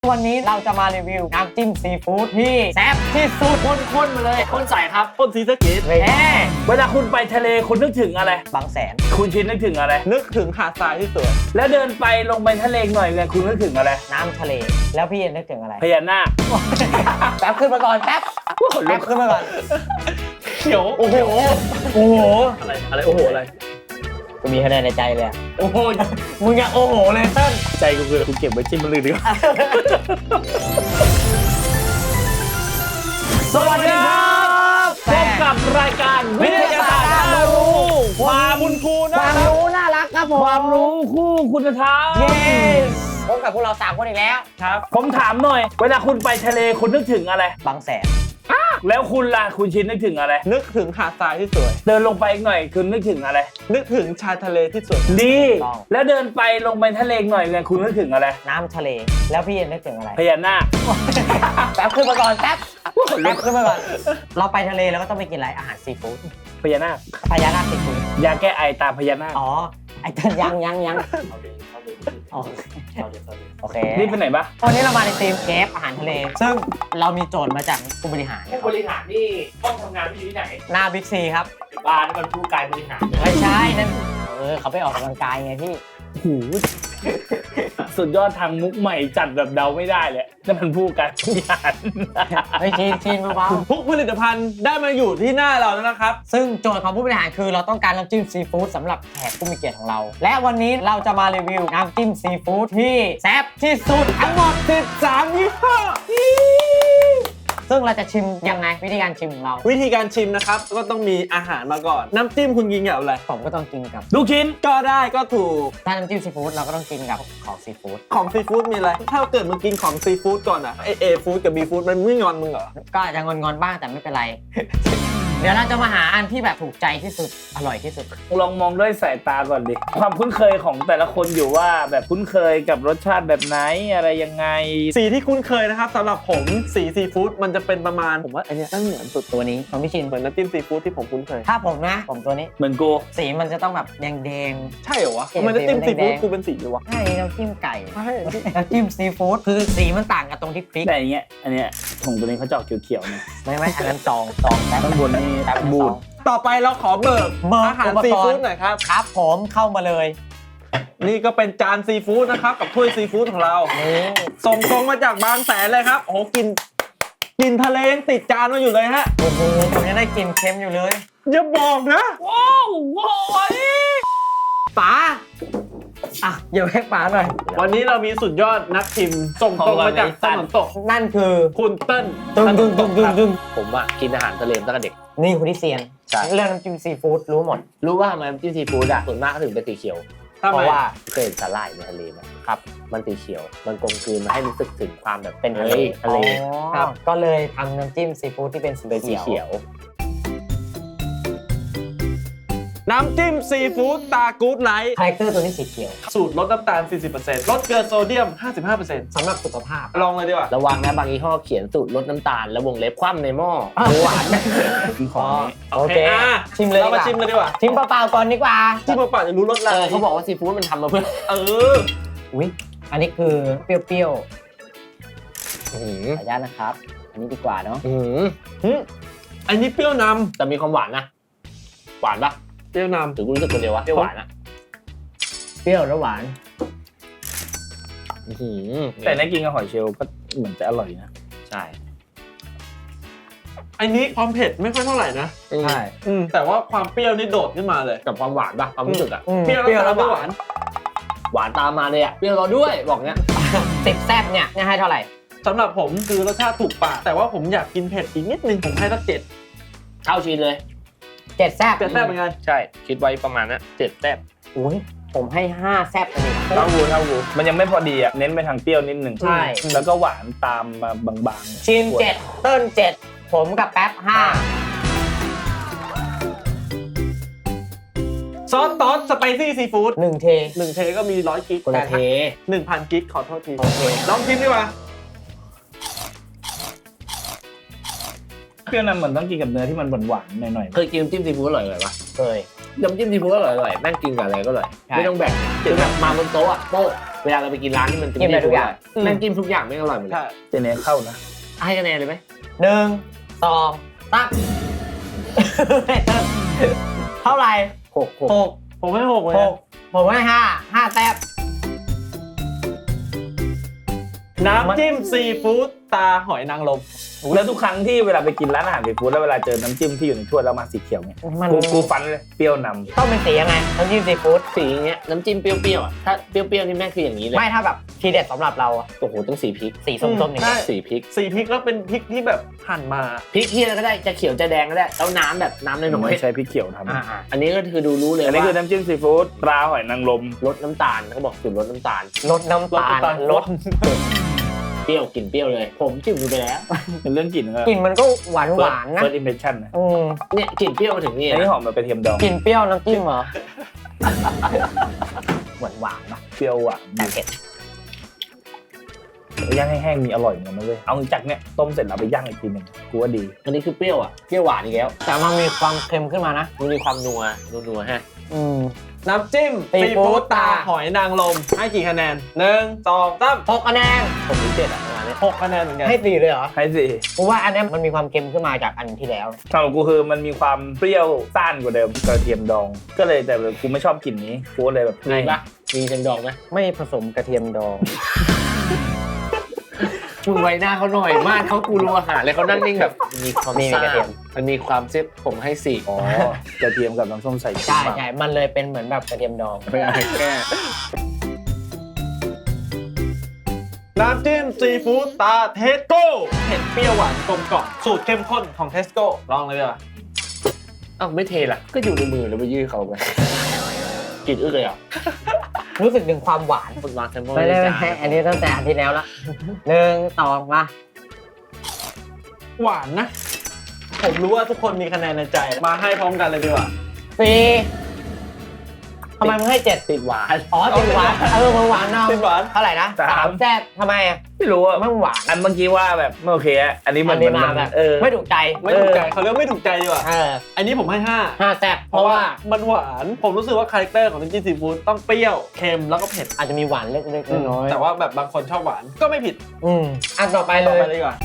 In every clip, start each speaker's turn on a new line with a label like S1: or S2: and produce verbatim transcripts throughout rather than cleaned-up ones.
S1: วันนี้เราจะมารีวิวน้ำจิ้มซีฟู้ดที่แซ่บที่สุดข้นๆมาเลยข้นใสครับ
S2: ต้นซีสะเกต
S1: เฮ้ย
S2: เวลาคุณไปทะเลคุณนึกถึงอะไร
S1: บางแสน
S2: คุณชินนึกถึงอะไร
S3: นึกถึงหาดทรายที่สวย
S2: แล้วเดินไปลงไปทะเลหน่อยเนี่ยคุณนึกถึงอะไร
S1: น้ำทะเลแล้วพี่นึกถึงอะไร
S2: พญานาค
S1: แป๊บขึ้นมาก่อนแป๊บแป๊บขึ้นมาก่อน
S2: เขียว
S1: โอ้โห
S2: โอ้โหอะไรอะไรโอ้โหอะไร
S1: กูมีคะแนนในใจเลยอะ
S2: โอ้โห
S1: มึงอะโอ้โหเลยเติ้ล
S2: ใจกูคือกูเก็บไว้จิ้มมันเลยดีกว่าสวัสดีครับพบกับรายการวิทยาศาสตร์น่ารู้ความบุญครู
S1: ค
S2: นะ
S1: วามรู้น่ารักครับผม
S2: ความรู้คู่คุณธรรม
S1: เย้พบกับพวกเราสามคนอีกแล้ว
S2: ครับผมถามหน่อย เวลาคุณไปทะเลคุณนึกถึงอะไร
S1: บางแสน
S2: แล้วคุณล่ะคุณชินนึกถึงอะไร
S3: นึกถึงหาดทรายที่สวย
S2: เดินลงไปอีกหน่อยคุณนึกถึงอะไร
S3: นึกถึงชายทะเลที่สวย
S2: ดีแล้วเดินไปลงไปทะเลหน่อยเนี่ยคุณนึกถึงอะไร
S1: น้ำทะเลแล้วพี่นึกถึงอะไร
S2: พญานาค
S1: แป๊บขึ้นมาก่อนแป๊บแป๊บขึ้นมาก่อนเราไปทะเลเราก็ต้องไปกินอะไรอาหารซีฟู้ด
S2: พญานาค
S1: พญานาคซีฟู้ด
S2: ยาแก้ไอตามพญานาค
S1: อ๋อไอ้เต้นยังยังยังอ๋อโอเค
S2: นี่เป็นไหนปะ
S1: วันนี้เรามาในทีมเชฟอาหารทะเล ซึ่งเรามีโจทย์มาจากผู้บริหาร
S4: ผู้บริหารนี่ต้องทำงานที่ไหน
S1: หน้าบิ๊กซีครับ
S4: บ้านมันผู้กายบริหาร
S1: ไม่ใช่นั่นเออเขาไปออกกำลังกายไงพี่
S2: หูสุดยอดทางมุกใหม่จัดแบบเดาไม่ได้เลยนั่นมันผู้การผู้ยาน
S1: เฮ้ยชินชินเบา
S3: ทุกผลิตภัณฑ์ได้มาอยู่ที่หน้าเราแล้วนะครับ
S1: ๆซึ่งโจทย์ของผู้บริหารคือเราต้องการน้ำจิ้มซีฟู้ดสำหรับแขกผู้มีเกียรติของเรา และวันนี้เราจะมารีวิวน้ำจิ้มซีฟู้ดที่แซ่บที่สุดทั้งหมดสิบสามยี่ห้อซึ่งเราจะชิมยังไงวิธีการชิมของเรา
S3: วิธีการชิมนะครับก็ต้องมีอาหารมาก่อน น้ำจิ้มคุณกินกับอะไร
S1: ผมก็ต้องกินกับ
S2: ลูกชิ้น
S3: ก็ได้ก็ถูก
S1: ถ้าน้ำจิ้มซีฟู้ดเราก็ต้องกินกับของซีฟู้ด
S3: ของซีฟู้ดมีอะไร ถ้าเกิดมึงกินของซีฟู้ดก่อนอะเอเอฟู้ดกับบีฟู้ดมันไม่งอนมึงเหรอ
S1: ก็อาจจะงอนๆบ้างแต่ไม่เป็นไร เดี๋ยวเราจะมาหาอันที่แบบถูกใจที่สุดอร่อยที่สุด
S2: ลองมองด้วยสายตาก่อนดิความคุ้นเคยของแต่ละคนอยู่ว่าแบบคุ้นเคยกับรสชาติแบบไหนอะไรยังไง
S3: สีที่คุ้นเคยนะครับสำหรับผมสีซีฟู้ดมันจะเป็นประมาณผมว่าไอเนี้ยนั่นเหมือนสุด
S1: ตัวนี้ของพี่ชิน
S3: เหมือนน้ำจิ้มซีฟู้ดที่ผมคุ้นเคย
S1: ถ้าผมนะผมตัวนี้
S2: เหมือนกู
S1: สีมันจะต้องแบบแดง
S3: ใช่เหรอวะ
S1: เห็น
S3: ทำไมน้ำจิ้ม
S1: สี
S3: ซี
S1: มัน
S3: ฟู้ด
S1: แดงๆ
S3: กูเป็นสีเลยวะ
S1: ๆใช่น้ำจิ้มไก่
S3: ใช่
S1: น้ำจิ้มซีฟู้ดคือสีมันต่างกับตรงที่พริก
S2: แต่อย่างเงี้ยอันเนี้ยของตัวนี้เขาจะออกเขียวๆเนี่ย
S1: ไม่ไม่อันนั้นตองตองแต่
S2: ข้างบนนี่
S1: แต่เป็น
S2: บู
S1: ซ
S2: ด
S1: อง
S3: ต่อไปเราขอเบิก
S1: เบิก
S3: อาหาร
S1: อุปกรณ์
S3: ซีฟู้ดหน่อยครับ
S1: ครับผมเข้ามาเลย
S3: นี่ก็เป็นจานซีฟู้ดนะครับกับถ้วยซีฟู้ดของเรา
S1: นี่
S3: ส่งตรงมาจากบางแสนเลยครับโอ้โหกินกินทะเลยังติดจานมาอยู่เลยฮะ
S1: โอ้โหผมยังได้กลินเค็มอยู่เลย
S3: อย่าบอกนะ
S2: ว้าวว้าว
S1: ป๋าอ่ะอย่าให้ป๋าหน่อย
S3: วันนี้เรามีสุดยอดนักชิมส่งตรงมาจากตะวันตก
S1: นั่นคือ
S3: คุณเติ้ล
S1: ตึงตึงตึงตึงตึง
S4: ผมอะกินอาหารทะเลตั้งแต่เด็ก
S1: นี่คุณที่เซียน
S4: ใช่
S1: เรื่องน้ำจิ้มซีฟู้ดรู้หมด
S4: รู้ว่าทำไมน้ำจิ้มซีฟู้ดอะส่วนมากเขาถึงเป็นสีเขียว
S3: ทำ
S1: เพ
S3: ไม
S1: ราะว่า
S4: เคยเห็นสาหร่ายในทะเลไหมครับ มันสีเขียว มันกลมกลืนมาให้รู้สึกถึงความแบบ
S1: เป็นทะเล
S4: ฮ้ยทะเล
S1: ครับก็เลยทำน้ำจิ้มซีฟู้ดที่เป็นสี
S4: เป็นสี
S1: เขียว
S4: เขียว
S3: น้ำจิ้มซีฟู้ดตากู๊ดไลท์
S1: คาแรคเตอร์ตัวนี้สีเขียว
S3: สูตรลดน้ำตาล สี่สิบเปอร์เซ็นต์ ลดเกลือโซเดียม ห้าสิบห้าเปอร์เซ็นต์
S1: สำหรับสุขภาพ
S3: ลองเลยดีกว่า
S4: ระวังนะบางยี่ห้อเขียนสูตรลดน้ำตาลแล้ววงเล็บคว่ำในหม้อ
S1: อ่ะ
S4: หวาน
S2: ของนี้
S1: โอเค
S3: อ่ะ
S1: ชิมเลย
S3: เรามา
S1: ดีกว่า
S3: ชิมเลยดีกว่า
S1: ชิมเปล่าๆก่อนดีกว่า
S3: ที่เปล่าๆจะรู้รสอะไร
S4: เออเขาบอกว่าซีฟู้ดมันทำมาเพื่อ
S3: เออ
S1: อุ้ยอันนี้คือเปรี้ยว
S4: อื้อหือ
S1: ๆขออนุญาตนะครับ อันนี้ดีกว่าเนาะ
S4: อื้อหือ
S3: หึอันนี้เปรี้ยวน
S4: แต่มีความหวานนะ หวานปะ
S3: ำเปรี้ยวนำ
S4: หรือกูรู้สึกคนเดียววะเปรี้ยวหวานอะ
S1: เปรี้ยวและหวาน
S4: อื้อหือ
S2: แต่ในกินกับหอยเชลล์ก็เหมือนจะอร่อยนะ
S4: ใช่
S3: อันนี้ความเผ็ดไม่ค่อยเท่าไหร่นะ
S1: ใช่
S3: อืมแต่ว่าความเปรี้ยวนี่โดดขึ้นมาเลย
S4: กับความหวานปะความรู้สึกอะ
S1: อืม
S3: เปรี้ยว
S1: เปรี้ยว
S3: แล้
S1: และ
S3: ว
S1: ห
S3: ห
S1: วาน
S3: วาน
S4: หวานตามมาเลยอะเปรี้ยวเราด้วยบอกเนี้ย
S1: สิบแซ่บเนี่ยเนี่ยให้เท่าไหร่
S3: สำหรับผมคือรสชาติถูกปากแต่ว่าผมอยากกินเผ็ดอีกนิดนึงผมให้สักเจ็ด
S4: เท่าชิ้นเลย
S1: เจ็ดแซ่บ
S3: เจ็ดแซ่บเหมือนกัน
S4: ใช่คิดไว้ประมาณนั้นเจ็ดแต้ม
S1: อุ้ยผมให้ห้าแซ่บเลย
S2: เท่ากูเท่ากูมันยังไม่พอดีอ่ะเน้นไปทางเปรี้ยวนิดหนึ่ง
S1: ใช่
S2: แล้วก็หวานตามมาบางๆ
S1: ชิมเจ็ดเติ้ลเจ็ดผมกับแป๊บห้า
S3: ซอสตอสสไปซี่ซีฟู้ด
S1: หนึ่งเท
S3: หนึ่งเทก็มีร้อยกิก
S1: คนละเท
S3: หนึ่งพันกิกขอโทษที
S1: โอเค
S3: ลองชิมดีกว่า
S2: เปรี้ยวนั้นเหมือนต้องกินกับเนื้อที่มันหวานๆหน่อย
S4: เคยกินน้ำจิ้มซีฟู้ดอร่อยๆปะ
S1: เคย
S4: น้ำจิ้มซีฟู้ดอร่อยๆแม่งกินกับอะไรก็อร่อย
S1: ใช่
S4: ไม่ต้องแบ่งคือแบบมาบนโต๊ะอะโป๊ะเวลาเราไปกินร้านที่มันจะ
S1: กินได้ทุกอย่าง
S4: แม่งกินทุกอย่างไม่อร่อยหมดเลย
S3: ใช่
S2: เจเนเข้านะ
S4: ให้คะแนนเลยไหม
S1: หนึ่งสองสาม เท่าไหร่
S4: หกหก
S1: หก
S3: ผมให้หกเลย
S1: ห
S3: นะ
S1: กผมให้ห้าห้าแต้ม
S3: น้ำจิ้มซีฟู้ดตาหอยนางรม
S2: แล้วทุกครั้งที่เวลาไปกินร้านอาหารซีฟู้ดแล้วเวลาเจอน้ำจิ้มที่อยู่ในถ้วยแล้วมาสีเขียวเนี่ย
S1: มัน
S2: กูกูฟันเลยเปรี้ยวนำ
S1: ต้องเป็นสียังไงน้ำจิ้มซีฟู้ด
S4: สีอย่างเงี้ยน้ำจิ้มเปรี้ยวๆอ่ะถ้าเปรี้ยวๆนี่แม่งคืออย่างนี้เลย
S1: ไม่ถ้าแบบทีเด็ดสำหรับเราอะ
S4: โอ้โหต้องสีพริก
S1: สีส้มๆอย่างเงี้ย
S4: สีพริก
S3: สีพริกแล้วเป็นพริกที่แบบหั่นมา
S4: พริกที่อะไรก็ได้จะเขียวจะแดงก็ได้แล้วน้ำแบบน้ำในหน
S2: ไม่
S4: อย
S2: ใช้พริกเขียวทำ
S1: อ่า
S4: อันนี้ก็คือดูรู้เลย
S2: อันนี้
S4: ว่า
S2: คือน้ำจิ้มซีฟู้ดปลาหอยนางรม
S4: ลดน้ำตาลเขาบอกสูตรลดน้ำตาล
S1: ลดน้ำตาลลด
S4: เปรี้ยวกลิ่นเปรี้ยวเลย ผมจิ้มดูไปแล้ว
S2: เป็นเรื่องกลิ่นก็
S1: กลิ่นมันก็หวานหวานๆนะ
S2: เฟิร์สอิมเพรสชั่นนะ
S1: อืม
S4: เนี่ยกลิ่นเปรี้ยวมาถึงนี่
S2: อันนี้
S4: นะ
S2: หอมแบบกระเทียมดอง
S1: กลิ่นเปรี้ยวน้ำจิ้มเหรอ หวานหวานๆปะ
S2: เปรี้ยวหวาน
S1: แต่เผ็ด
S2: ย่างให้แห้งมีอร่อยเหมือนกันนะเว้ยเอาจากเนี่ยต้มเสร็จแล้วไปย่างอีกทีหนึ่งกูว่าดี
S4: อันนี้คือเปรี้ยวอ่ะเปรี้ยวหวานอีกแล้ว
S1: แต่มันมีความเค็มขึ้นมานะ
S4: มันมีความนัวนัวๆฮะ
S1: อืม
S3: น้ำจิ้ม
S1: ซี
S3: ซี
S1: ฟู้
S3: ฟู้
S1: ด
S3: ดตาหอยนางรมให้กี่คะแนนหนึ่งสองสาม
S1: หกคะแนน
S4: ผมรู้เจ็ดอ่ะประมาณนี้
S3: หกคะแนนเหมือนกัน
S1: ให้สี่เลยเหรอ
S2: ให้สิ
S1: เพราะว่าอันเนี้ยมันมีความเค็มขึ้นมาจากอันที่แล้ว
S2: สำหรับกูคือมันมีความเปรี้ยวซ่านกว่าเดิมกระเทียมดอง ก็เลยแต่กูไม่ชอบกลิ่นนี้กูก็เลยแบบ
S4: มีปะมีเต็มดอกไหม
S1: ไม่ผสมกระเทียมดอง
S4: มึงไว้หน้าเขาหน่อยมากเขากูรู้อาหารเลยเขานั่งนิ่งแบบมีความ
S1: มี
S4: ซ่าก
S1: ระเทียม
S4: มันมีความเซ็ตผมให้สี่
S2: อ๋อกระเทียมกับน้ำส้มสายชู
S1: ใช่ใช่มันเลยเป็นเหมือนแบบกระเทียมดอง
S4: ไม่เอาแก้
S3: น้ำจิ้มซีฟู้ดตาเทสโก้เผ็ดเปรี้ยวหวานกลมกล่อมสูตรเข้มข้นของเทสโก้ลองเลยดีกว่า
S4: อ้าวไม่เทล่ะก็อยู่ในมือแล้วไปยื่นเขาไปกลิ่นอึกเลยอ่ะ
S1: รู้สึกถึงความหวาน
S4: คนวางแซมเปิล
S1: ไม่ได้ไม่ได้อันนี้ตั้งแต่อันที่แล้วละหนึ่งสองมา
S3: หวานนะ ผมรู้ว่าทุกคนมีคะแนนในใจ มาให้พร้อมกันเลยดีกว่า
S1: สี่ทำไมมึงให้เจ็ด
S4: ติดหวาน
S1: อ๋อติดหวานเออมึงหวานเนาะ
S3: ติดหวาน
S1: เท่าไหร่นะสามแซ่บทำไมอ่ะ
S2: ไม่รู้อะ
S1: มันหวาน
S2: อันเมื่อกี้ว่าแบบไม่โอเคอะอันนี้มั
S1: อั
S2: น
S1: นนี้
S2: มัน
S1: มาแบบ
S2: เออ
S1: ไม่ถูกใจ
S3: ไม่ถูกใจเขาเรียกไม่ถูกใจดีกว่า
S1: เออ
S3: อันนี้ผมให้ห้า
S1: ห้าแซ่บเพ
S3: เพราะ
S1: ราะ
S3: ว่า
S1: ว่า
S3: มันหวานผมรู้สึกว่าคาแรคเตอร์ของน้ำจิ้มซีฟู้ดต้องเปรี้ยวเค็มแล้วก็เผ็ด
S1: อาจจะมีหวานเล็กๆน้อยๆ
S3: แต่ว่าแบบบางคนชอบหวานก็ไม่ผิด
S1: อืมอันต่อไปเล
S3: ต่อย ไปเลยดีกว่า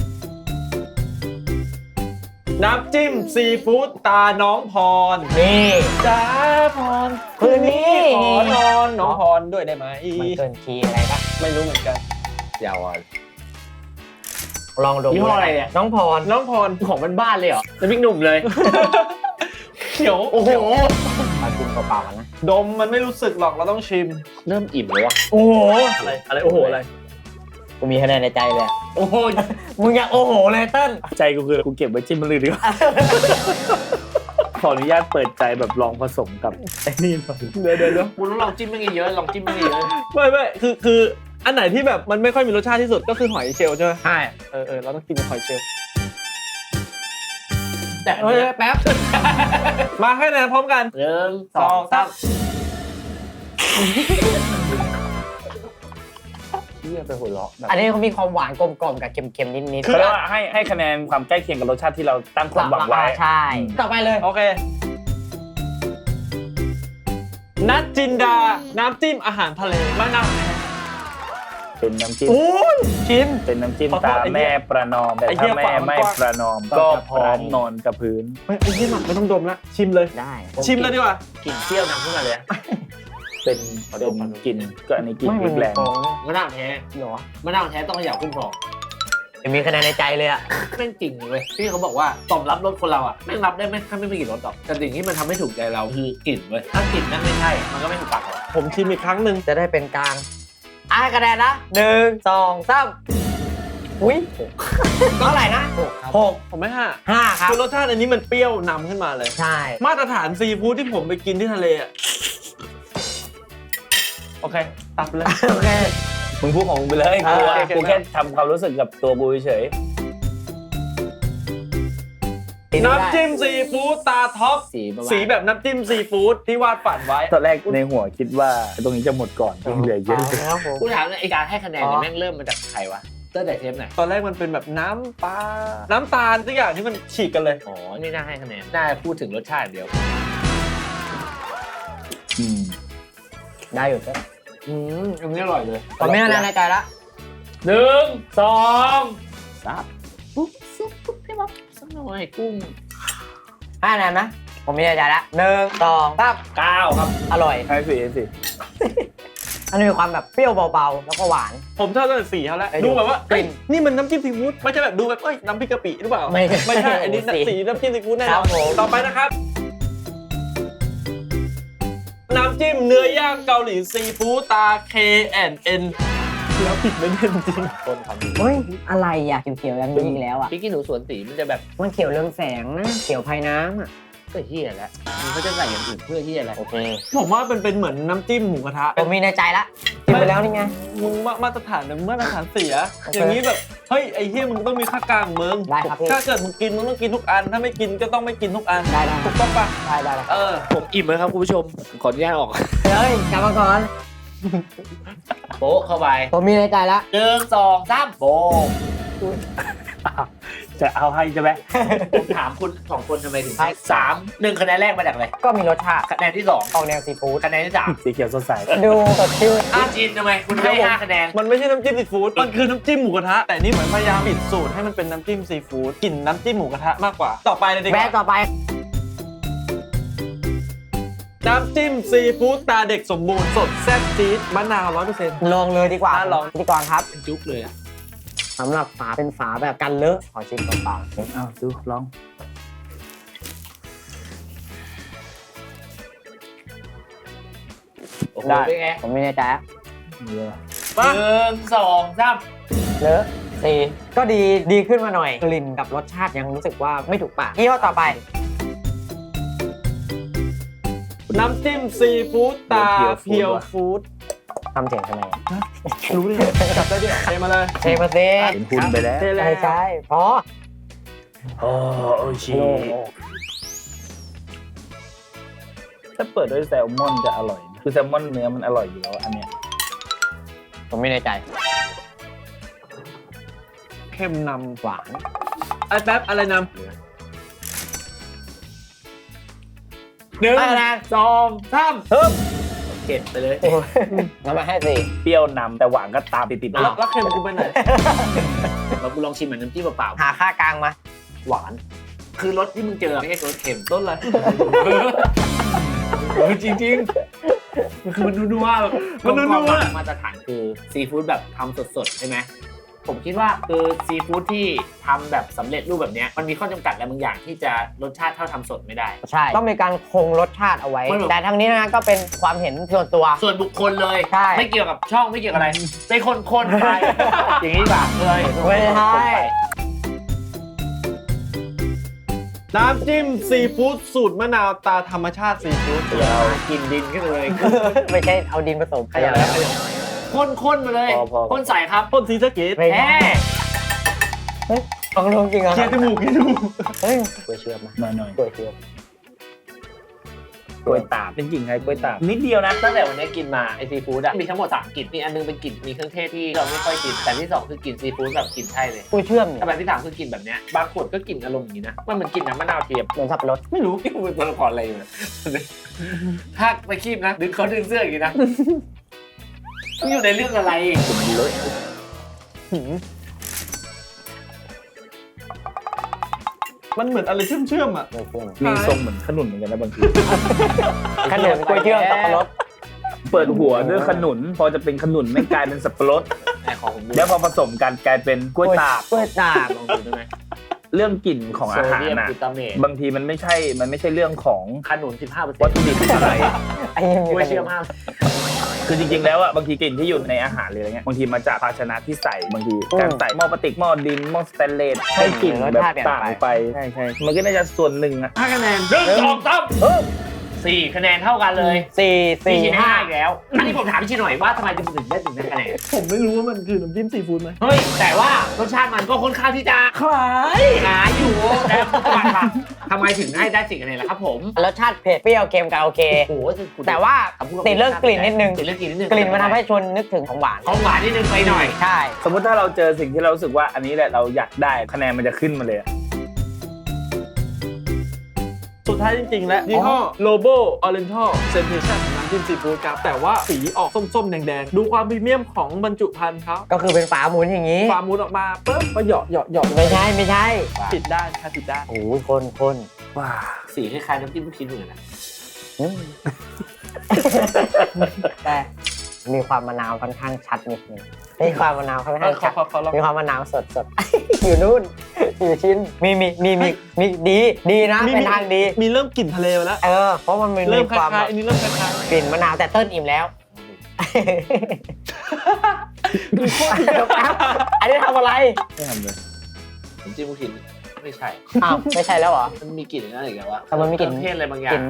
S3: น้ำจิ้มซีฟู้ดตาน้องพร
S1: นี่
S3: จ้าพร
S1: คืนนี้
S3: ขอนอนน้องพรด้วยได้ไหม
S1: มันเกินคีย์อะไรปะ
S3: ไม่รู้เหมือนกัน
S4: ยาวอ่ะ
S1: ลองดู
S4: ยี่ห้ออะไรเนี่ย
S1: น้องพร
S3: น้องพร
S4: ของบ้านๆเลยเหรอแล้วพี่หนุ่มเลย
S3: เขียว
S4: โอ้โห
S1: มากินเปล่าๆกันนะ
S3: ดมมันไม่รู้สึกหรอกเราต้องชิม
S4: เริ่มอิ่มเลยวะ
S1: โอ้โห
S3: อะไรอะไรโอ้โหอะไร
S1: กูมีคะแนนในใจเลยอะ
S4: โอ้โห
S1: มึงอยากโอ้โหเลยเติ้ล
S2: ใจกูคือกูเก็บไว้จิ้มมันเลยดีกว่า ขออนุญาตเปิดใจแบบลองผสมกับไอ้นี่หน่อย
S3: เดี๋ยวเดี๋ยวเดี๋ยว
S4: คุณต้องลองจิ้มไม่เยอะลองจิ้มไม่เยอะ
S3: ไม่ไม่คือคืออันไหนที่แบบมันไม่ค่อยมีรสชาติที่สุดก็คือหอยเชลล์ใช่ไหม
S1: ใช่
S3: เออเออเราต้องกินกับหอยเชลล์
S4: แต่
S1: เฮ้ยแป๊บ
S3: มาให้คะแนนพร้อมกัน
S4: หนึ่ง
S3: สองสาม
S4: เยี่ยไปหัวเราะแบบ
S1: อันนี้เขามีความหวานกลมๆกับเค็มๆนิดๆ
S2: เขาเรียกว่าให้ให้คะแนนความใกล้เคียงกับรสชาติที่เราตั้งความหวังไว้
S1: ใช่ต่อไปเลย
S3: โอเคนัดจินดาน้ำจิ้มอาหารทะเลมะนาว
S2: เป็นน้ำจิ้ม
S3: โอ้ยชิม
S2: เป็นน้ำจิ้ม
S3: ขอโทษ
S2: ตา
S3: ไอ้เหี้
S2: แม่
S3: ย
S2: ประนอมแต่
S3: ไอ้เหี้
S2: ถ้าย แม่
S3: ฝามัน
S2: ไม่
S3: กว้าง
S2: ประนอมก็พร้อมนอนกับพื้น
S3: เฮ้ยไอ้ยี่หมักไม่ต้องดมละชิมเลย
S1: ได้
S3: ชิมเลยดีกว่า
S4: กลิ่นเปรี้ยวนำขึ้นมาเลยอะ
S2: เป็นเป็นกลิ่นก็อันนี้กลิ่น
S1: ไม่
S2: พริ
S1: มัน
S2: กแรง
S1: ฟองเลย
S4: มะนาวแท้
S1: เหรอ
S4: มะนาวแท้ต้องเขย่าขึ้นฟอง
S1: ยังมีคะแนนในใจเลยอะ
S4: แม่งจริงเลยที่เขาบอกว่าตอบรับรสคนเราอ่ะแม่งรับได้ไม่ถ้าไม่มีกลิ่นรสหรอกแต่สิ่งที่มันทำให้ถูกใจเราคือกลิ่นเว้ยถ้ากลิ่นนั่นไม่ใช่มันก็ไม่ถูกปากเรา
S3: ผมชิมอีกครั้งหนึ่ง
S1: จะได้เป็นกลางอ่ะคะแนนนะหนึ่งสองสามอุ้ยเท่าไหร่นะหกครับหก
S3: ผมไม่ห้า
S1: ห้าครับ
S3: คือรสชาติอันนี้มันเปรี้ยวนำขึ้นมาเลย
S1: ใช่
S3: มาตรฐานซีฟู้ดที่ผมไปกินที่ทะเลอ่ะโอเคตับเลย
S1: โอเค
S2: มึงพูดของมึงไปเลย
S3: อ่า
S2: กู
S3: โอเค
S2: กูแค่ทำความรู้สึกกับตัวกูเฉย
S3: น้ำจิ้มซีฟู้ดตาท็อป
S4: สีประมาณ
S3: สีแบบน้ำจิ้มซีฟู้ดที่วาดฝันไว้
S2: ตอนแรกในหัวคิดว่าตรงนี้จะหมดก่อนยังเหลือเยอะ
S1: เอาแล้วผม
S4: กูถามเลยไอการให้คะแนนเนี่ยแม่งเริ่มมาจากใครวะตั้งแต่เทปไหน
S3: ตอนแรกมันเป็นแบบน้ำปลา น้ำตาลทุกอย่างที่มันฉีกกันเลย
S4: อ๋อนี่น่าให้คะแนนน่าพูดถึงรสชาติเดียว
S2: อืม
S1: ได้อยู่เต้ล
S4: อืมอันนี้อร่อยเลย
S1: ผมมีคะแนนในใจละ
S4: หนึ่งสองสามปุ๊บซุปปุ๊บพี่บ๊อบสักหน่อยกุ้ง
S1: ห้าคะแนนนะผมมีในใจละหนึ่งสองสาม
S4: เก้าครับ
S1: อร่อย
S2: ให้สิให้สิ
S1: อันนี้มีความแบบเปรี้ยวเบาๆแล้วก็หวาน
S3: ผมชอบตั้งแต่สีเขาแล้ว
S1: ไอ้ดู
S3: ดูแบบว่า
S1: กลิ่
S3: เอ้ย
S1: น
S3: นี่มันน้ำจิ้มซีฟู้ดไม่ใช่แบบดูแบบเอ้ยน้ำพริกกะปิหรือเปล่า
S1: ไม่
S3: ไม่ใช่อันนี้
S1: สี
S3: สีน้ำจิ้มซีฟู้ดแน่น
S1: ครั
S3: อบ น
S1: ผม
S3: ต่อไปนะครับ น้ำจิ้มเนื้อย่างเกาหลีซีฟู้ดตา K and N แล้วผิดไม่ได้จริง
S4: คนทำดี
S1: เฮ้ยอะไรอ่ะเขียวๆอย่างนี้อีกแล้วอ่ะ
S4: พี่กินหนูสวนสีมันจะแบบ
S1: มันเขียวเรืองแสงนะเขียวภายน้ำอ่ะ
S4: ก็เฮียแล้วมันเขาจะใส่อย่างอื่นเพื่อเฮียอะไร
S1: โอเค
S3: ผมว่าเป็นเป็นเหมือนน้ำจิ้มหมูกระทะ
S1: ผมมีในใจละกินไปแล้วนี่ไง
S3: มึงมามาตรฐานมึงมาตรฐานเสีย
S1: โอเค
S3: อย่างนี้แบบเฮ้ยไอ้เหี้ยมึงต้องมีค่ากลางมึง
S1: ได้ครับพี่
S3: ถ้าเกิดมึงกินมึงต้องกินทุกอัน ถ้าไม่กินก็ต้องไม่กินทุกอัน
S1: ได้ได้
S3: ถูกต้องปะ
S1: ได้ได้ได้
S3: เออ
S4: ผมอิ่มแล้วครับคุณผู้ชม ขออนุญาตออก
S1: เฮ้ยกลับมาก่อน
S4: โป๊ะเข้าไป
S1: ผมมีในใจละ
S4: หนึ่งสองสามโป๊ะ
S2: จะเอาให้ใช่ไหม
S4: ผมถามคุณสองคนทำไมถึงให้สามหนึ่งคะแนนแรกมาจากอะไร
S1: ก็มีรสชาติ
S4: คะแนนที่สอง
S1: ออกแนวซีฟู้ด
S4: คะแนนที่สาม
S2: สีเขียวสดใส
S1: ดูสดชื่น
S4: อาจีนทำไมคุณให้ห้าคะแนน
S3: มันไม่ใช่น้ำจิ้มซีฟู้ด มันคือน้ำจิ้มหมูกระทะ แต่นี่เหมือนพยายามปิดสูตรให้มันเป็นน้ำจิ้มซีฟู้ดกลิ่นน้ำจิ้มหมูกระทะมากกว่า ต่อไปเลยดีก
S1: แวะ
S3: ว่า
S1: ต่อไป
S3: น้ำจิ้มซีฟู้ดตาเด็กสมบูรณ์สดแซ่บจี๊ดมะนาวร้อยเปอร์เซ็นต์
S1: ลองเลยดีกว่า
S3: อ่ะลอง
S1: พิธีกรครับ
S4: เป็นจุ๊บเลยอะ
S1: สำหรับฝาเป็นฝาแบบกันเลอะขอชิมเปล่าๆ
S2: เอาดูลอง
S4: โอ้โห
S1: ได้
S4: เป็นไง
S1: ผมมีในใจละ
S2: เยอะ
S3: มา
S4: หนึ่งสองสาม
S1: เลอะสีก็ดีดีขึ้นมาหน่อย กลิ่นกับรสชาติยังรู้สึกว่าไม่ถูกปากยี่ห้อต่อไป
S3: น้ำจิ้มซีฟู้ดตาเพียวฟู้ด
S1: ทำเสียงทำไมอะ
S3: รู้ดิจับได้ดิเทมาเลย
S1: เชฟมาเซ่
S2: เห็นคุณไปแล้ว
S3: เทเล
S1: ใช่
S3: ย
S1: ใช่พอ
S2: โอ้โอชิ
S1: โล่งอก
S2: ถ้าเปิดด้วยแซลมอนจะอร่อยนะคือแซลมอนเนื้อมันอร่อยอยู่แล้วอันเนี้ย
S1: ผมมีในใจ
S3: เข้มน
S1: หวาน
S3: ำไอ้แป๊บอะไรน
S4: หนึ่ง
S1: ให้คะแนน
S4: สองสาม
S1: เพิ่ม
S4: เก็บไปเลย
S1: งั้นมาให้สี่
S2: เปรี้ยวนำแต่หวานก็ตามติดๆ
S3: ำ
S2: ด้
S3: แล้ว วย แล้วเค็มกูไปไหน
S4: เรากูลองชิมเหมือนน้ำจิ้มเปล่า
S1: หาค่ากลางมา
S4: ๆหวาน คือรสที่มึงเจอไม่ใช่รสเค็ม
S3: ต้นอะไร
S4: เออจริงๆมันคือมันนัวๆแบบ
S3: มันนัวๆ
S4: กลมๆมาตรฐานคือซีฟู้ดแบบทำสดๆใช่ไหมผมคิดว่าคือซีฟู้ดที่ทำแบบสำเร็จรูปแบบเนี้ยมันมีข้อจำกัดอะไรบางอย่างที่จะรสชาติเท่าทำสดไม่ได้
S1: ใช่ ต้องมีการคงรสชาติเอาไว้
S4: ไม่หรอก
S1: แต่ทั้งนี้นะก็เป็นความเห็นส่วนตัว
S4: ส่วนบุคคลเลย
S1: ใช่
S4: ไม่เกี่ยวกับช่องไม่เกี่ยวกับอะไรเป็นคนคนๆไป อย่างนี้ป่ะเลย
S1: ไม่ใช่
S3: น้ำจิ้มซีฟู้ดสูตรมะนาวตาธรรมชาติซีฟู้ด
S2: เดี๋ยว
S4: กินดินขึ้นเลย
S1: ไม่ใช่เอาดินผสม
S4: ขยับแล้วข้นๆมาเลย
S2: พอพอ
S4: ข้นใสครับ
S3: ต้นซีสะเกต
S1: ไม่
S4: แห
S1: ใช่
S4: ม
S1: เฮ้ยลองลงจริงเหรอ
S3: เคลียร์จมูกเคลียร์จมูก
S1: เฮ้ยกล้วยเชื่อมมา
S2: หน่อยหน่อย
S1: กล้วยเชื่อม
S2: กล้วยตากเป็นกลิ่นไงกล้วยตากนิดเดียวนะ
S4: ตั้งแต่วันนี้กินมาไอซีฟู้ดอะมีทั้งหมดสามกลิ่นมีอันนึงเป็นกลิ่นมีเครื่องเทศที่เราไม่ค่อยกินแต่ที่สองคือกลิ่นซีฟู้ดแบบกลิ่นใช่เลย
S1: กล้วยเชื่อมเนี่ย
S4: แต่แบบที่สามคือกลิ่นแบบเนี้ยบางขวดก็กลิ่นอารมณ์อย่างนี้นะมันเหมือนกลิ่นน้ำมะนาวเทียม
S1: เหมือนสับปะรด
S4: ไม่รู้ที่มันเป็นตัวละครอะไรอยู่เนี่ยถ้าไปคีบนะดึงเขาดึงเสื้ออย่างนี้นะมันอยู่ในเรื่องอะไร
S2: มันเลอะ
S3: มันเหมือนอะไรเชื่อมเชื่อมๆอ่ะ
S1: กล้วยเชื่อม
S2: มีทรงเหมือนขนุนเหมือนกันนะบางที
S1: ขนมกล้วยเชื่อมสับปะรด
S2: เปิดหัวด้วยขนุน พอจะเป็นขนุนไม่กลายเป็นสับปะรด
S4: ไอ้ของผมดู
S2: แล้วพอผสมกันกลายเป็นกล้วยตาก
S1: กล้วยตาก
S4: ลองดูได้ไหม
S2: เรื่องกลิ่นของอาหาร
S4: โซเดียม
S2: น่ะ
S4: กลูตาเมต
S2: บางทีมันไม่ใช่ มันไม่ใช่เรื่องของ
S4: ขนุนสิบห้าเปอร์เซ็
S2: วัน ต
S4: ต์
S2: ถุดิบอะไร
S1: ไอ้ยัง
S4: ก
S1: มี
S4: ล้วย
S1: ขน
S4: เชื่อ
S1: ม
S4: มาก
S2: คือจริงๆแล้วอ่ะบางทีกลิ่นที่อยู่ในอาหารหรืออะไรเงี้ยบางทีมาจากภาชนะที่ใส่บางทีการใส่หม้อพลาสติกหม้อดินหม้อสแตนเลสให้กลิ่นแบบต่างไปใช่ใช่มันก็น่าจะส่วนหนึ่งอ่ะ
S4: ห้าคะแนนหนึ่งสองสามสี่คะแนนเท่ากันเลย
S1: สี่
S4: สี่
S1: สี่
S4: ชิ้น
S1: ห้า
S4: ห้าอีกแล้ว อันนี้ผมถามพี่ชิหน่อยว่าทำไมถึงได้ถึงได้คะแนน
S3: ผมไม่รู้ว่ามันคือน้ำจิ้มซีฟู้ดไหม
S4: เฮ้ย แต่ว่ารสชาติมันก็ค่อนข้างที่จะ
S3: คล้าย
S4: หาอยู่แต่ว่าทำไมถึงให้ได้สี่คะแนนล่ะครับผม
S1: รสชาติเผ็ดเปรี้ยวเค็มกันโอเค
S4: โอ้โห
S1: แต่ว่าติดเรื่องกลิ่นนิดนึง
S4: ติดเรื่องกลิ่นนิดนึง
S1: กลิ่นมันทำให้ชวนนึกถึงของหวาน
S4: ของหวานนิดนึงไปหน่อย
S1: ใช่
S2: สมมติถ้าเราเจอสิ่งที่เรารู้สึกว่าอันนี้แหละเราอยากได้คะแนนมันจะขึ้นมาเลยอะ
S3: สุดท้ายจริงๆ แล้วยี่ห้อ Lobo Oriental Sensation นะำจิ้มซีฟู้ดครับแต่ว่าสีออกส้มๆแดงๆดูความพรีเมียมของบรรจุภัณฑ์เขา
S1: ก็คือเป็นฝาหมุนอย่างนี้
S3: ฟาร์มูนออกมาปุ๊บก็เหยาะเหยาะเหยาะ
S1: ไม่ใช่ไม่ใช่
S3: ผิดด้านค่ะผิดด้าน
S1: โอ้โหคนคน
S2: ว้า
S4: สีคล้ายๆน้ำจิ้มลูกชิ้นเหมือนกันนะ
S1: อืม แต่มีความมะนาวค่อนข้างชัดนิดนึงมีความมะนาวค่อน
S3: เอ
S1: ข้าง
S3: อ
S1: ชัด
S3: เขาเขาลอง
S1: มีความมะนาวสดสด อยู่นู่นอยู่ชิ้นมีมีมีมีมีดีดีนะเป็นทางดี
S3: มีเริ่มกลิ่นทะเลมาแล้ว
S1: เออเพราะมันมี
S3: เริ่มค
S1: ความ
S3: ล้ายๆอันนี้เริ่มคล้าย
S1: กลิ่นมะนาวแต่เติ้ลอิ่มแล้ว
S3: ๆคือโคตร
S1: เดี๋ยวแป๊บอันนี้ทำอะไร
S2: ไม่ทำเลย
S4: น้ำจิ้มลูกชิ้นไม่ใช่
S1: อ้าวไม่ใช่แล้วเหรอ
S4: มันมีกลิ่นอะไรอีกแล้ววะ
S1: แต่มันมีกลิ่น
S4: เครื่องเทศอะไรบางอย่าก
S1: ลิ่
S4: ง
S1: น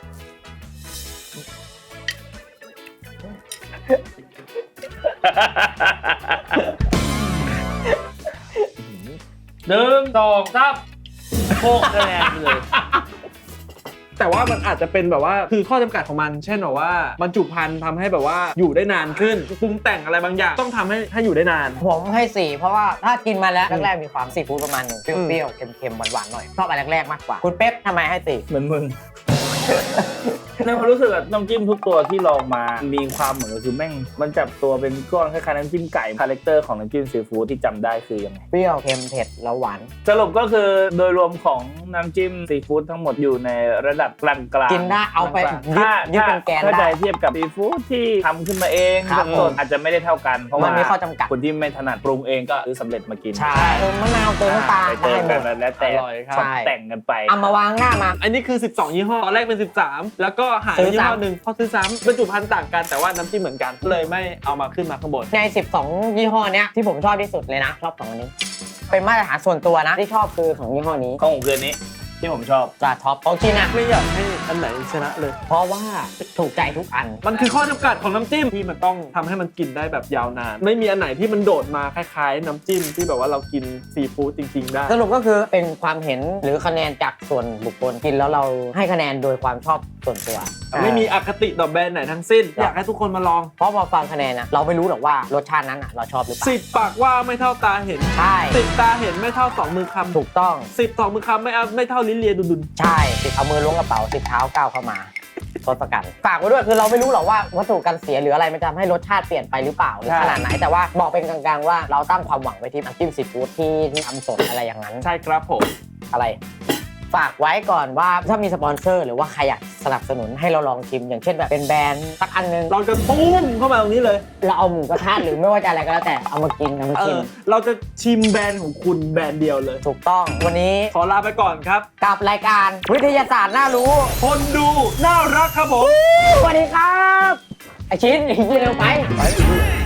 S2: หนึ่งสองสามโคกคะแนนไปเลย
S3: แต่ว่ามันอาจจะเป็นแบบว่าคือข้อจำกัดของมัน เช่นแบบว่าบรรจุภัณฑ์ทำให้แบบว่าอยู่ได้นานขึ้นปรุงแต่งอะไรบางอย่างต้องทำให้ให้อยู่ได้นาน
S1: ผมให้สี่เพราะว่าถ้ากินมาแล้วแรกๆมีความซีฟู้ดประมาณหนึ่งเปรี้ยวๆเค็มๆหวานๆหน่อยชอบอันแรกๆมากกว่าคุณเป๊ปทำไมให้สี่
S2: เหมือนมึง ในความรู้สึกอะน้ำจิ้มทุกตัวที่ลองมา มีความเหมือนก็คือแม่ง มันจับตัวเป็นก้อนคล้ายๆน้ำจิ้มไก่คาแรคเตอร์ของน้ำจิ้มซีฟู้ดที่จำได้คือยังไง
S1: เปรี้ยวเค็มเผ็ดแล้วหวาน
S2: สรุปก็คือโดยรวมของน้ำจิ้มซีฟู้ดทั้งหมดอยู่ในระดับกลางๆ
S1: กินได้เอาไป
S2: กลงๆ
S1: ยึด
S2: ถ้า
S1: ยึดเป็นแกน
S2: ถ้า
S1: ได้
S2: ใจเทียบกับซีฟู้ดที่ทำขึ้นมาเอง
S1: ครับ
S2: สดๆอาจจะไม่ได้เท่ากัน เพราะ
S1: มั
S2: ว่าน
S1: มีข้อจำกัด
S2: คนที่ไม่ถนัดปรุงเองก็ซื้อสำเร็จมากิน
S1: ใช่เติมมะนาวเติมน้ำตาล
S2: ไปเติ
S1: ได้
S2: ม
S1: หม
S2: กัน
S1: ด
S2: แล้วแต่
S3: อร่อยครับ
S2: ตกแต่งกันไป
S1: เอามาวางหน้ามา
S3: อันนี้คือสิบสองยี่ห้อตอนแรกเป็นสิบสามแล้วก็หาย
S1: ซื้อ
S3: ยี่ห้อ
S1: ซ้ำ
S3: หนึ่งพอซื้อซ้ำบรรจุภัณฑ์ต่างกันแต่ว่าน้ำจิ้มเหมือนกันเลยไม่เอามาขึ้นมาข้างบน
S1: ใน สิบสอง ยี่ห้อเนี้ยที่ผมชอบที่สุดเลยนะ ชอบสองอันนี้ เป็นมาตรฐานส่วนตัวนะ ที่ชอบคือของยี่ห้อนี้
S2: ของผมคืนนี้ที่ผมชอบ
S1: จะท็อปของกินอ่ะ
S3: ไม่อยากให้อันไหนชนะเลย
S1: เพราะว่าถูกใจทุกอัน
S3: มันคือข้อจำกัดของน้ำจิ้มที่มันต้องทำให้มันกินได้แบบยาวนาน ไม่มีอันไหนที่มันโดดมาคล้ายๆ น้ำจิ้มที่แบบว่าเรากินซีฟู้ดจริงๆได้
S1: สรุปก็คือเป็นความเห็นหรือคะแนนจากส่วนบุคคลกินแล้วเราให้คะแนนโดยความชอบส่วนตัว
S3: ไม่มีอคติต่อแบรนด์ไหนทั้งสิ้น อยากให้ทุกคนมาลอง
S1: เพราะพอฟังคะแนนนะเราไม่รู้หรอกว่ารสชาตินั้นอ่ะเราชอบหรือเปล่า
S3: สิบปากว่าไม่เท่าตาเห็น
S1: ใช่
S3: สิบตาเห็นไม่เท่าสองมือคำ
S1: ถูกต้อง
S3: สิบสองมือคำไม่เอาไม่เท่าลิ้นเลียดุน
S1: ใช่สิเอามือล้วงกระเป๋าสิเท้าก้าวเข้ามาทศกัณฐ์ฝากไว้ด้วยคือเราไม่รู้หรอกว่าวัตถุกันเสียหรืออะไรมันจะทำให้รสชาติเปลี่ยนไปหรือเปล่าหรือขนาดไหนแต่ว่าบอกเป็นกลางๆว่าเราตั้งความหวังไว้ที่น้ำจิ้มซีฟู้ดที่ที่ทำสดอะไรอย่างนั้น
S3: ๆใช่ครับผม
S1: อะไร ฝากไว้ก่อนว่าถ้ามีสปอนเซอร์หรือว่าใครอยากสนับสนุนให้เราลองชิม อย่างเช่นแบบเป็นแบรนด์สักอันนึง
S3: เราจะตุ้มเข้ามาตรงนี้เลย
S1: เราเอาหมูกระทะหรือไม่ว่าจะอะไรก็แล้วแต่เอามากินเอามา
S3: เอ
S1: กิน
S3: อเราจะชิมแบรนด์ของคุณแบรนด์เดียวเลย
S1: ถูกต้องวันนี้
S3: ขอลาไปก่อนครับ
S1: กับรายการวิทยาศาสตร์น่ารู้
S3: คนดูน่ารักครับผม
S1: สวัสดีครับไอชิ้นอีกทีเร็วไป
S3: ไป